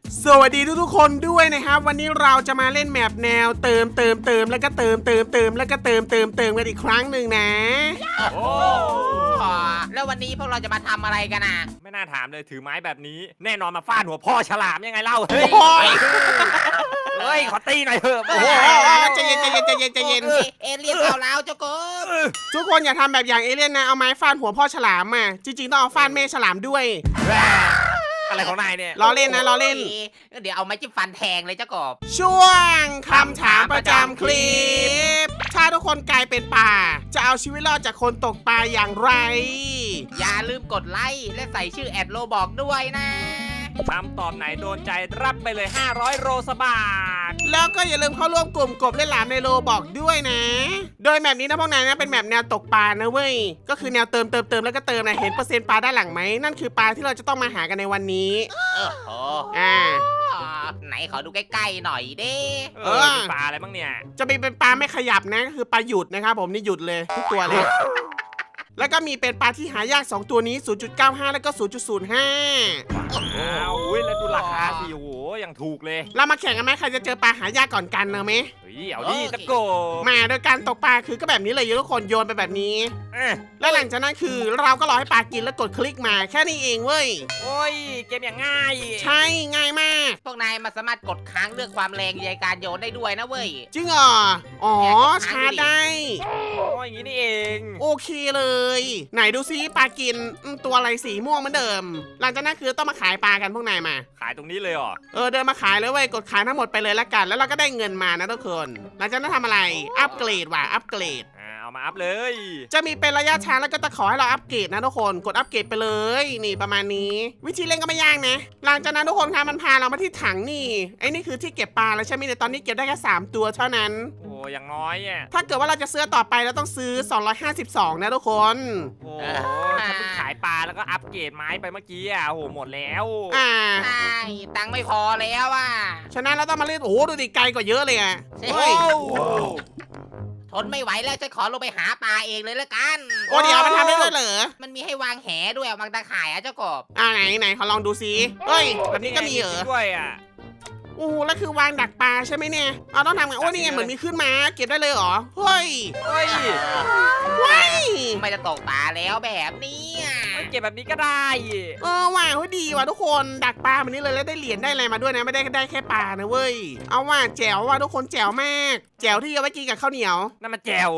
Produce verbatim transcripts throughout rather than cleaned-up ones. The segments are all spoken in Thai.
สวัสดีทุกๆคนด้วยนะครับวันนี้เราจะมาเล่นแมปแนวเติมเติมเติมแล้วก็เติมเติมเติมแล้วก็เติมเติมเติมกันอีกครั้งหนึ่งนะโอ้แล้ววันนี้พวกเราจะมาทำอะไรกันอ่ะไม่น่าถามเลยถือไม้แบบนี้แน่นอนมาฟาดหัวพ่อฉลามยังไงเล่าโอ้เฮ้ยโหเฮ้ยขอตีหน่อยเถอะโอ้โหใจเย็นใจเย็นใจเย็นใจเย็นโอ้เอเลี่ยนเอาแล้วเจ้ากบทุกคนอย่าทำแบบอย่างเอเลี่ยนนะเอาไม้ฟาดหัวพ่อฉลามมาจริงๆต้องเอาฟาดแม่ฉลามด้วยอะไรของนายเนี่ยล้อเล่นนะล้อเล่นเดี๋ยวเอาไม้จิ้มฟันแทงเลยเจ้ากบช่วงคำถามประจำคลิป ถ้าทุกคนกลายเป็นป่า จะเอาชีวิตรอดจากคนตกปลาอย่างไรอย่าลืมกดไลค์และใส่ชื่อแอดโลบอกด้วยนะคำตอบไหนโดนใจรับไปเลยห้าร้อยโรสบาทแล้วก็อย่าลืมเข้าร่วมกลุ่มกบเล่นหลามในโลบอกด้วยนะ โดยแมปนี้นะพวกนายนะเป็นแมปแนวตกปลานะเว้ย ก็คือแนวเติมเติมเติมแล้วก็เติมนะเห็นเปอร์เซ็นต์ปลาด้านหลังไหมนั่นคือปลาที่เราจะต้องมาหากันในวันนี้โอ้โหอ่าไหนขอดูใกล้ๆหน่อยดิเอเอออเป็นปลาอะไรบ้างเนี่ยจะมีเป็นปลาไม่ขยับนะก็คือปลาหยุดนะครับผมนี่หยุดเลยทุกตัวเลย แล้วก็มีเป็นปลาที่หายากสองตัวนี้ ศูนย์จุดเก้าห้า แล้วก็ ศูนย์จุดศูนย์ห้าอ้าวอุ้ยแล้วดูราคาสิโอ้โหยังถูกเลยเรามาแข่งกันไหมใครจะเจอปลาหายากก่อนกันเนอะไหมเฮ้ยเอาดิตะโกมาโดยการตกปลาคือก็แบบนี้เลยทุกคนโยนไปแบบนี้เอ้ยแล้วหลังจากนั้นคือเราก็รอให้ปลากินแล้วกดคลิกมาแค่นี้เองเว้ยโอ้ยเกมอย่างง่ายใช่ง่ายมากพวกนายมาสามารถกดค้างเลือกความแรงในการโยนได้ด้วยนะเว้ยจริงเหรออ๋อชาร์จได้โอ้ยอย่างนี้นี่เองโอเคเลย ไหนดูซิปลากินอืมตัวอะไรสีม่วงเหมือนเดิม หลังจากนั้นคือต้องมาขายปลากันพวกนายมาขายตรงนี้เลยเหรอเออเดินมาขายเลยเว้ยกดขายทั้งหมดไปเลยละกัน แล้วเราก็ได้เงินมานะทุกคนหลังจากนั้นทำอะไรอัปเกรดว่ะอัปเกรดอ่าเอามาอัพเลยจะมีเป็นระยะช้าแล้วก็ตะขอให้เราอัปเกรดนะทุกคนกดอัปเกรดไปเลยนี่ประมาณนี้ วิธีเล่นก็ไม่ยากนะ หลังจากนั้นทุกคนคะมันพาเรามาที่ถังนี่ไอ้นี่คือที่เก็บปลาแล้วใช่ไหมเนี่ยตอนนี้เก็บได้แค่สามตัวเท่านั้นโอ้อย่างน้อยอ่ะถ้าเกิดว่าเราจะซื้อต่อไปเราต้องซื้อสองร้อยห้าสิบสองนะทุกคนโอ้โหฉันเพิ่งขายปลาแล้วก็อัพเกรดไม้ไปเมื่อกี้อ่ะโอ้โหหมดแล้วอ่าใช่ตังค์ไม่พอแล้วอ่ะฉะนั้นเราต้องมาเล่นโอ้โหดูดิไกลกว่าเยอะเลยอ่ะใช่เฮ้ยทนไม่ไหวแล้วจะขอลงไปหาปลาเองเลยละกันโอ้เดี๋ยวมันทำได้ด้วยเหรอมันมีให้วางแหด้วยวางตาข่ายอะเจ้ากบอ่าไหนไหนขอลองดูซิเฮ้ยแบบนี้ก็มีเหรอด้วยอ่ะโอ้โหแล้วคือวางดักปลาใช่ไหมเนี่ยเอาต้องทำไงโอ้นี่ไงเหมือนมีขึ้นมาเก็บได้เลยเหรอเฮ้ยเฮ้ยเฮ้ยไม่จะตกปลาแล้วแบบเนี้ยเก็บแบบนี้ก็ได้เออว่ะเฮ้ยดีว่ะทุกคนดักปลาแบบนี้เลยแล้วได้เหรียญได้อะไรมาด้วยนะไม่ได้ได้แค่ปลานะเว้ยเอาว่ะแจ๋วว่ะทุกคนแจ๋วมากแจ๋วที่เอาไว้กินกับข้าวเหนียวนั่นมันแจว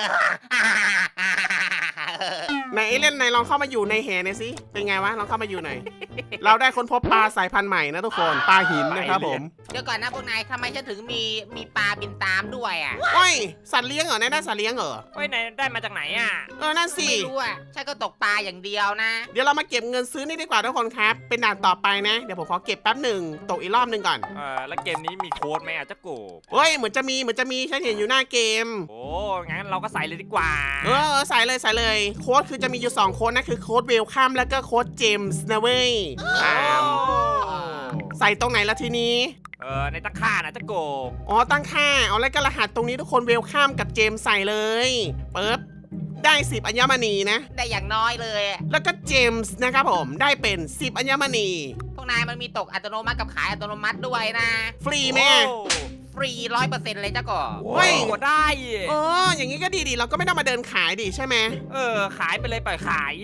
ไหนเอเล่นไหนลองเข้ามาอยู่ในแหหน่อยสิเป็นไงวะลองเข้ามาอยู่หน่อย เราได้ค้นพบปลาสายพันธุ์ใหม่นะทุกคนปลาหินนะครับผมเดี๋ยวก่อนนะพวกนายทำไมฉันถึงมีมีปลาบินตามด้วยอ่ะโอ้ยสัตว์เลี้ยงเหรอเนี่ยได้สัตว์เลี้ยงเหรอเฮ้ยไหนได้มาจากไหนอ่ะเออนั่นสิไม่รู้อ่ะฉันก็ตกปลาอย่างเดียวนะเดี๋ยวเรามาเก็บเงินซื้อนี่ดีกว่าทุกคนครับ เป็นด่านต่อไปนะ เดี๋ยวผมขอเก็บแป๊บหนึ่งตกอีกรอบหนึ่งก่อนเออแล้วเกมนี้มีโค้ดไหมอ่ะเจ้าโกบเฮ้ยเหมือนจะมีเหมือนจะมีฉันเห็นอยู่หน้าเกมโอ้งั้นเราก็ใส่เลยดีกว่าเออเออใส่เลยใส่เลยโค้ดคือจะมีอยู่สองโค้ดนะคือโค้ดเวลคัมแล้วก็โค้ดเจมส์นะเว้ยอ่าใส่ตรงไหนละทีนี้เออในตะข่านะเจ้าโกบอ๋อตั้งค่าเอาแล้วก็รหัสตรงนี้ทุกคนเวลคัมกับเจมส์ใส่เลยปึ๊บได้สิบอัญมณีนะได้อย่างน้อยเลยอะแล้วก็เจมส์นะครับผมได้เป็นสิบอัญมณีพวกนายมันมีตกอัตโนมัติกับขายอัตโนมัติด้วยนะฟรีไหมโอ้ฟรีร้อยเปอร์เซ็นต์เลยเจ้ากบเฮ้ยกดได้เอออย่างนี้ก็ดีดีเราก็ไม่ต้องมาเดินขายดิใช่ไหมเออขายไปเลยปล่อยขาย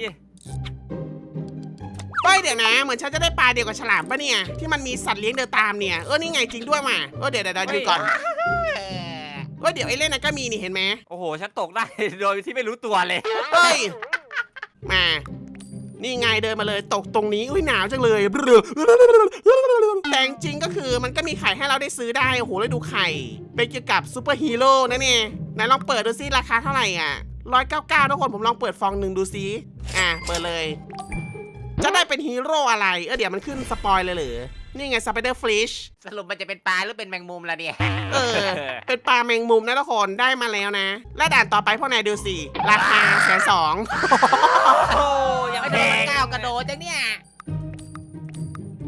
เฮ้ยเดี๋ยวนะเหมือนฉันจะได้ปลาเดียวกับฉลามปะเนี่ยที่มันมีสัตว์เลี้ยงเดินตามเนี่ยเออนี่ไงจริงด้วยว่ะเออเดี๋ยวเดี๋ยวเดี๋ยวดูก่อนเออเออเดี๋ยวไอ้เล่นนะก็มีนี่เห็นไหมโอ้โหฉันตกได้ โดยที่ไม่รู้ตัวเลยเฮ้ยมานี่ไงเดินมาเลยตกตรงนี้อุ้ยหนาวจังเลยแต่จริงก็คือมันก็มีไข่ให้เราได้ซื้อได้โอ้โหแล้วดูไข่เป็นเกี่ยวกับซูเปอร์ฮีโร่นะเนี่ยไหนลองเปิดดูซิราคาเท่าไหร่อ่ะร้อยเก้าเก้าทุกคนผมลองเปิดฟองหนึ่งดูซิอ่ะเปิดเลย จะได้เป็นฮีโร่อะไร เออเดี๋ยวมันขึ้นสปอยเลยเหรอ นี่ไงสไปเดอร์ฟิชสรุปมันจะเป็นปลาหรือเป็นแมงมุมล่ะเนี่ยเออ เป็นปลาแมงมุมนะทุกคนได้มาแล้วนะ และด่านต่อไปพวกนายดูสิ ราคาแสนสองโอ้ยังไม่แดโดนมันงก้าวกระโดดจังเนี่ย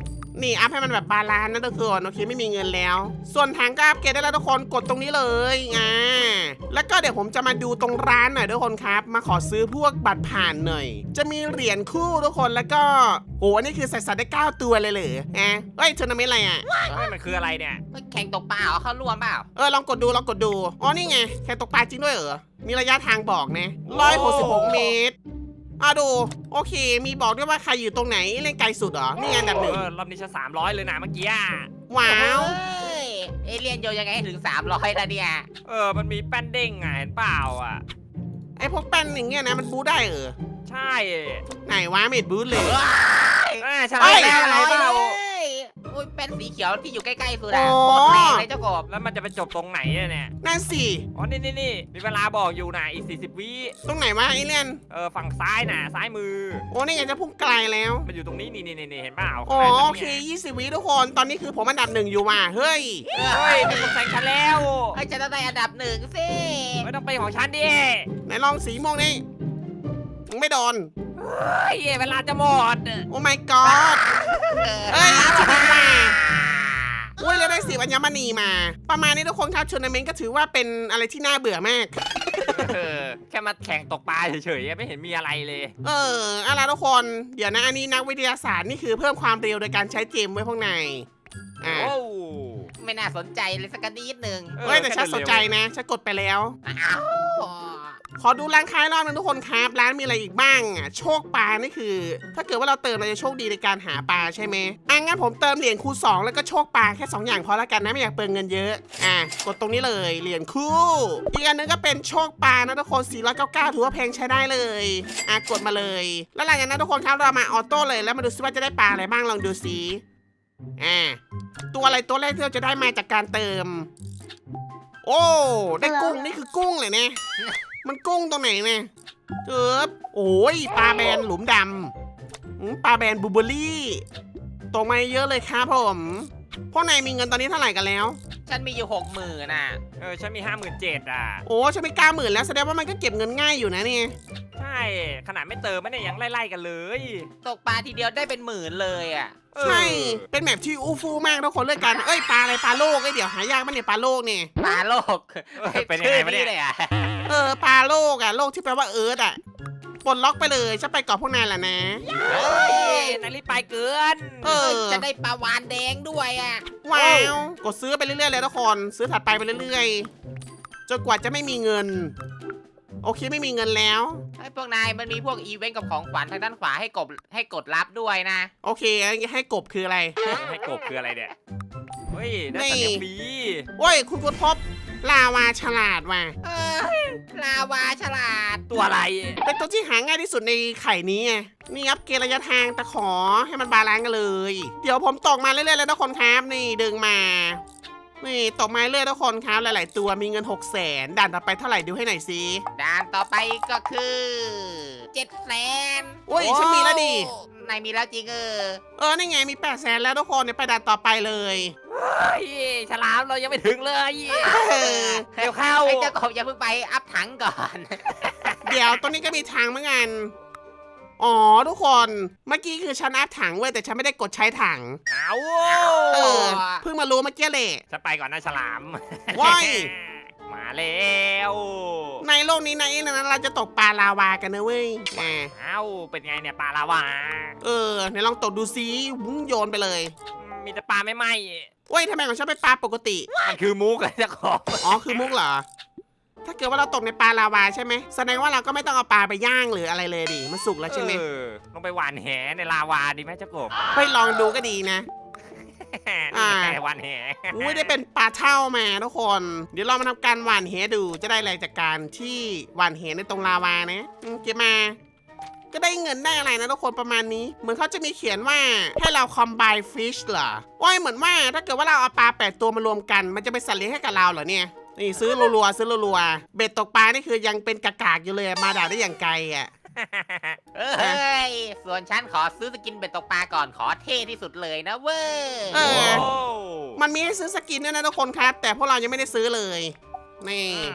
นี่อัพให้มันแบบบาลานซ์นะทุกคนโอเคไม่มีเงินแล้ว ส่วนถังก็อัพเกรดได้แล้วทุกคนกดตรงนี้เลยอ่าแล้วก็เดี๋ยวผมจะมาดูตรงร้านหน่อยทุกคนครับมาขอซื้อพวกบัตรผ่านหน่อยจะมีเหรียญคู่ทุกคนแล้วก็โหอันนี้คือใส่สัตว์ได้เก้าตัวเลยเหรออ่ะเฮ้ยทัวร์นาเมนต์อะไรอ่ะเฮ้ยมันคืออะไรเนี่ยแข่งตกปลาเหรอเขาร่วมเปล่าเออลองกดดูลองกดดูอ๋อนี่ไงแข่งตกปลาจริงด้วยเหรอมีระยะทางบอกนะร้อยหกสิบหกเมตรอ่ะดูโอเค มีบอกด้วยว่าใครอยู่ตรงไหนเล่นไกลสุดเหรอนี่ไงอันดับหนึ่งเออรอบนี้ฉันสามร้อยเลยนะเมื่อกี้อะว้าวเฮ้ยเอเลี่ยนโยนยังไงให้ถึงสามร้อยนะเนี่ยเออมันมีแป้นเด้งไงเห็นเปล่าอ่ะไอพวกแป้นอย่างเงี้ยนะมันบูได้เหรอใช่ไหนวะเม็ดบูทเลยอ่าใช่เอ้ยแล้วอะไรเปล่าอุ้ยเป็นสีเขียวที่อยู่ใกล้ๆสุดอะอ๋อโคตรแรงเลยเจ้ากบแล้วมันจะไปจบตรงไหนอะเนี่ยนั่นสิอ๋อนี่นี่นี่มีเวลาบอกอยู่นะอีกสี่สิบวิตรงไหนวะไอเลียนเออฝั่งซ้ายน่ะซ้ายมือโอ้นี่ไงจะพุ่งไกลแล้วมันอยู่ตรงนี้นี่นี่นี่เห็นเปล่าอ๋อข้างในโอเคยี่สิบวิทุกคนตอนนี้คือผมอันดับหนึ่งอยู่ว่ะเฮ้ยเฮ้ยมีคนแซงฉันแล้วไอ้ยฉันต้องได้อันดับหนึ่งสิไม่ต้องไปของฉันดิไหนลองสีม่วงนี่มึงไม่โดนเฮ้ยเวลาจะหมดโอ้ my god เอ้ยจะดีมาอุ้ยเราได้สิบอัญมณีมา ประมาณนี้ทุกคนครับทัวร์นาเมนต์ก็ถือว่าเป็นอะไรที่น่าเบื่อมากเออแค่มาแข่งตกปลาเฉยๆไม่เห็นมีอะไรเลยเอออะไรทุกคนเดี๋ยวนะอันนี้นักวิทยาศาสตร์นี่คือเพิ่มความเร็วโดยการใช้เกมไว้พวกในอ่าโอ้ไม่น่าสนใจเลยสักนิดหนึ่งเฮ้ยแต่ฉันสนใจนะฉันกดไปแล้วอ้าวขอดูร้านค้ารอบนึงทุกคนครับร้านมีอะไรอีกบ้างอ่ะโชคปลานี่คือ ถ้าเกิดว่าเราเติมเราจะโชคดีในการหาปลาใช่ไหมอ่ะงั้นผมเติมเหรียญคูณสองแล้วก็โชคปลาแค่สองอย่างพอละกันนะไม่อยากเปลืองเงินเยอะอ่ะกดตรงนี้เลยเหรียญคู่อีกอันนึงก็เป็นโชคปลานะทุกคนสี่ร้อยเก้าสิบเก้าถือว่าแพงใช้ได้เลยอ่ะกดมาเลยแล้วหลังจากนั้นทุกคนครับเรามาออโต้เลยแล้วมาดูซิว่าจะได้ปลาอะไรบ้างลองดูซิอ่ะตัวอะไรตัวแรกที่เราจะได้มาจากการเติม โอ้ได้กุ้งนี่คือกุ้งเลยเนี่ยมันกุ้งตรงไหนเนี่ยเออโอ้ยปลาแบนหลุมดำอืมปลาแบนบูเบอรี่ตกมาเยอะเลยครับผมพวกนายมีเงินตอนนี้เท่าไหร่กันแล้วฉันมีอยู่หกหมื่นน่ะเออฉันมีห้าหมื่นเจ็ดอ่ะโอ้ฉันไม่กล้าหมื่นแล้วแสดงว่ามันก็เก็บเงินง่ายอยู่นะเนี่ยใช่ขนาดไม่เติมไม่ได้ยังไล่ๆกันเลยตกปลาทีเดียวได้เป็นหมื่นเลยอ่ะเออใช่เป็นแบบที่อู้ฟู่มากทุกคนเลยกันเอ้ยปลาอะไรปลาโลกไอ้ยเดี๋ยวหายากมั้ยเนี่ยปลาโลกเนี่ยปลาโลกเออเป็นยังไงวะเนี่ยชื่อเลยอ่ะเออปลาโลกอะโลกที่แปลว่าเอิร์ธอะปลดล็อกไปเลยฉันไปเกาะพวกนายแหละนะเฮ้ยนายรีบไปเกินเออจะได้ปลาวานแดงด้วยอ่ะว้าวกดซื้อไปเรื่อยๆเลยทุกคนซื้อถัดไปไปเรื่อยๆจนกว่าจะไม่มีเงิน โอเคไม่มีเงินแล้วไอ้พวกนายมันมีพวกอีเวนต์กับของขวัญทางด้านขวาให้กดให้กดรับด้วยนะโอเคให้กบคืออะไรให้กบคืออะไรเนี่ยเฮ้ยได้สัตว์เลี้ยงฟรีโอ้ยคุณคุณพบลาวาฉลาดว่ะเออลาวาฉลาดตัวอะไรเป็นตัวที่หาง่ายที่สุดในไข่นี้ไงนี่ครับเกณฑ์ระยะทางแต่ขอให้มันบาลานซ์กันเลย เดี๋ยวผมตกมาเรื่อยๆแล้วทุกคนครับนี่ดึงมานี่ตกมาเรื่อยๆทุกคนครับหลายๆตัวมีเงินหกแสนด่านต่อไปเท่าไหร่ดูให้หน่อยสิด่านต่อไปก็คือเจ็ดแสนโอ้ยฉันมีแล้วดินายมีแล้วจริงเออเออนี่ไงมีแปดแสนแล้วทุกคนเนี่ยไปด่านต่อไปเลยเฮ้ยฉลามเรายังไม่ถึงเลยเออเดี๋ยวเข้าไอ้เจ้ากบอย่าเพิ่งไปอัพถังก่อนเดี๋ยวตรงนี้ก็มีทางเหมือนกันอ๋อทุกคน เมื่อกี้คือฉันอัพถังเว้ยแต่ฉันไม่ได้กดใช้ถังเอาเออ เพิ่งมารู้เมื่อกี้เลยฉันไปก่อนนะฉลามว้ายมาแล้วในโลกนี้นะเองนะเราจะตกปลาลาวากันนะเว้ยอ่าเอ้าเป็นไงเนี่ยปลาลาวาเออไหนลองตกดูซิวุ้งโยนไปเลยมีแต่ปลาไม่ไหมเว้ยทำไมของฉันเป็นปลาปกติมันคือมุกเลยเจ้าของอ๋อคือมุกเหรอ ถ้าเกิดว่าเราตกในปลาลาวาใช่ไหมแสดงว่าเราก็ไม่ต้องเอาปลาไปย่างหรืออะไรเลยดิมันสุกแล้วใช่ไหมเออลงไปหวานแหในลาวาดีไหมเจ้ากบไปลองดูก็ดีนะนี่ไงหวานแหอุ้ยได้เป็นปลาเท่ามาทุกคน เดี๋ยวเรามาทำการหว่านเหดูจะได้อะไรจากการที่หว่านเหในตรงลาวานะอืมเก็บมา ก็ได้เงินได้อะไรนะทุกคนประมาณนี้ เหมือนเขาจะมีเขียนว่าให้เรา combine fish เหรอว้ายเหมือนว่าถ้าเกิดว่าเราเอาปลาแปดตัวมารวมกัน มันจะเป็นสัตว์เลี้ยงให้กับเราเหรอเนี่ย นี่ซื้อรัวๆซื้อรัวๆเบ็ดตกปลานี่คือยังเป็นกากๆอยู่เลยมาด่าได้อย่างไกลอ่ะเอ้ยส่วนฉันขอซื้อสกินเบ็ดตกปลาก่อนขอเท่ที่สุดเลยนะเว้ยเออโอ้มันมีให้ซื้อสกินด้วยนะทุกคนครับ แต่พวกเรายังไม่ได้ซื้อเลย นี่อืม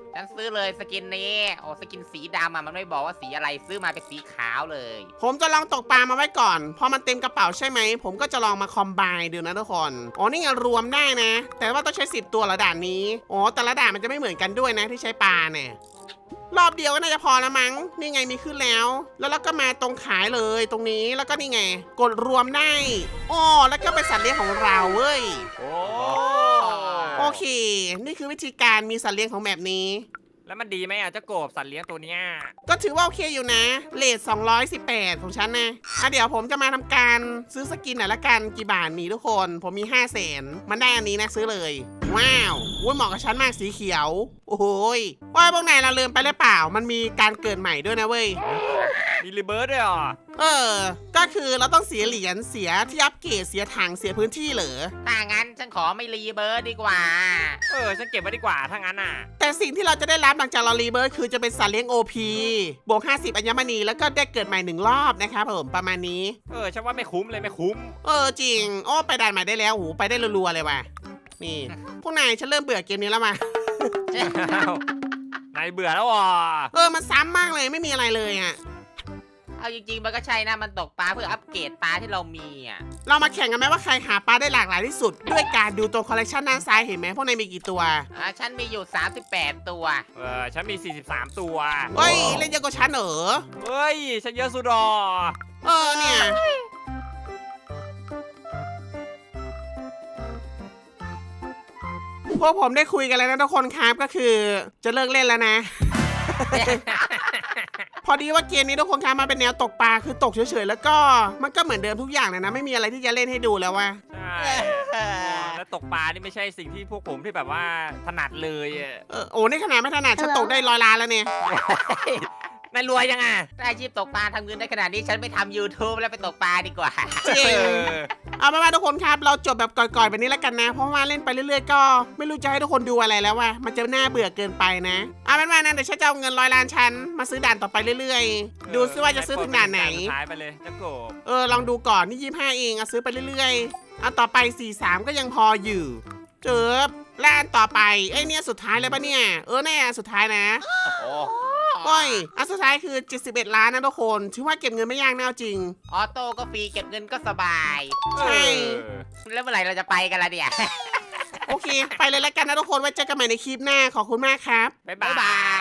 ฉันซื้อเลยสกินนี้โอ้สกินสีดำอะมันไม่บอกว่าสีอะไรซื้อมาเป็นสีขาวเลยผมจะลองตกปลามาไว้ก่อน พอมันเต็มกระเป๋าใช่ไหม ผมก็จะลองมาคอมไบน์ดูนะทุกคน อ๋อ นี่ไงรวมได้นะ แต่ว่าต้องใช้สิบตัวละด่านนี้ อ๋อ แต่ละด่านมันจะไม่เหมือนกันด้วยนะที่ใช้ปลาเนี่ย รอบเดียวก็น่าจะพอแล้วมั้ง นี่ไงมีขึ้นแล้ว แล้วเราก็มาตรงขายเลยตรงนี้ แล้วก็นี่ไง กดรวมได้อ๋อแล้วก็เป็นสัตว์เลี้ยงของเราเว้ยโอ้โอเค นี่คือวิธีการมีสัตว์เลี้ยงของแบบนี้แล้วมันดีไหมอ่ะเจ้ากบสัตว์เลี้ยงตัวเนี้ยก็ถือว่าโอเคอยู่นะเรทสองร้อยสิบแปดของฉันนะอ่ะเดี๋ยวผมจะมาทำการซื้อสกินหน่อยละกันกี่บาทมีทุกคน ผมมีห้าแสนมันได้อันนี้นะซื้อเลย ว้าวอุ้ยเหมาะกับฉันมากสีเขียว โอ้โหยว่าพวกนายเราลืมไปหรือเปล่า มันมีการเกิดใหม่ด้วยนะเว้ยมีรีเบิร์ดด้วยเหรอเออ ก็คือเราต้องเสียเหรียญเสียที่อัปเกรดเสียถังเสียพื้นที่เหรอถ้างั้นฉันขอไม่รีเบิร์ดดีกว่าเออฉันเก็บไว้ดีกว่าถ้างั้นอ่ะแต่สิ่งที่เราจะได้รับหลังจากเรารีเบิร์ดคือจะเป็นสัตว์เลี้ยง โอ พี บวกห้าสิบอัญมณีแล้วก็ได้เกิดใหม่หนึ่งรอบนะครับผมประมาณนี้เออฉันว่าไม่คุ้มเลยไม่คุ้มเออจริงโอ้ไปด่านใหม่ได้แล้วโหไปได้รัวๆเลยว่ะนี่ พวกนายฉันเริ่มเบื่อเกมนี้แล้วมาอ้าวนายเบื่อแล้วอ่ะเออมันซ้ำมากเลยไม่มีอะไรเลยอ่ะเอาจริงๆมันก็ใช่นะมันตกปลาเพื่ออัปเกรดปลาที่เรามีอ่ะเรามาแข่งกันไหมว่าใครหาปลาได้หลากหลายที่สุด ด้วยการดูตัวคอลเลกชันด้านซ้ายเห็นไหมพวกนายมีกี่ตัวอ่าฉันมีอยู่สามสิบแปดตัวเออฉันมีสี่สิบสามตัวเฮ้ยเล่นเยอะกว่าฉันเหรอเฮ้ยฉันเยอะสุดหรอเออเนี่ยพวกผมได้คุยกันแล้วนะทุกคนครับก็คือจะเลิกเล่นแล้วนะ พอดีว่าเกมนี้ทุกคนครับมาเป็นแนวตกปลาคือตกเฉยๆแล้วก็มันก็เหมือนเดิมทุกอย่างเลยนะไม่มีอะไรที่จะเล่นให้ดูแล้วว่ะใช่แล้วตกปลานี่ไม่ใช่สิ่งที่พวกผมที่แบบว่าถนัดเลยอะเออโอ้นี่ขนาดไม่ถนัดฉันตกได้ร้อยล้านแล้วเนี่ยนายรวยยังอ่ะถ้าอาชีพตกปลาทำเงินได้ขนาดนี้ฉันไม่ทำ YouTube แล้วไปตกปลาดีกว่าจริง เอาเป็นว่าทุกคนครับเราจบแบบก่อยๆแบบนี้แล้วกันนะ เพราะว่าเล่นไปเรื่อยๆก็ไม่รู้จะให้ทุกคนดูอะไรแล้วว่ะมันจะน่าเบื่อเกินไปนะเอาเป็นว่านะเดี๋ยวฉันจะเอาเงินร้อยล้านฉันมาซื้อด่านต่อไปเรื่อยๆ ดูซิว่าจะซื้อถึงด่านไหนสุดท้ายไปเลยเจ้ากบเออลองดูก่อนนี่ยี่สิบห้าเองเอาซื้อไปเรื่อยๆเอาต่อไปสี่สิบสามก็ยังพออยู่เจอล้านต่อไปเอ้ยเนี่ยสุดท้ายเลยปะเนี่ยเออแน่สุดท้ายนะโอ้โอ้ยอันสุดท้ายคือเจ็ดสิบเอ็ดล้านนะทุกคนถือว่าเก็บเงินไม่ยากแน่เอาจริงออโต้ก็ฟรีเก็บเงินก็สบายใช่เออแล้วเมื่อไหร่เราจะไปกันล่ะเนี่ยโอเค ไปเลยแล้วกันนะทุกคนไว้เจอกันใหม่ในคลิปหน้าขอบคุณมากครับบ๊ายบ๊ายบาบาย ย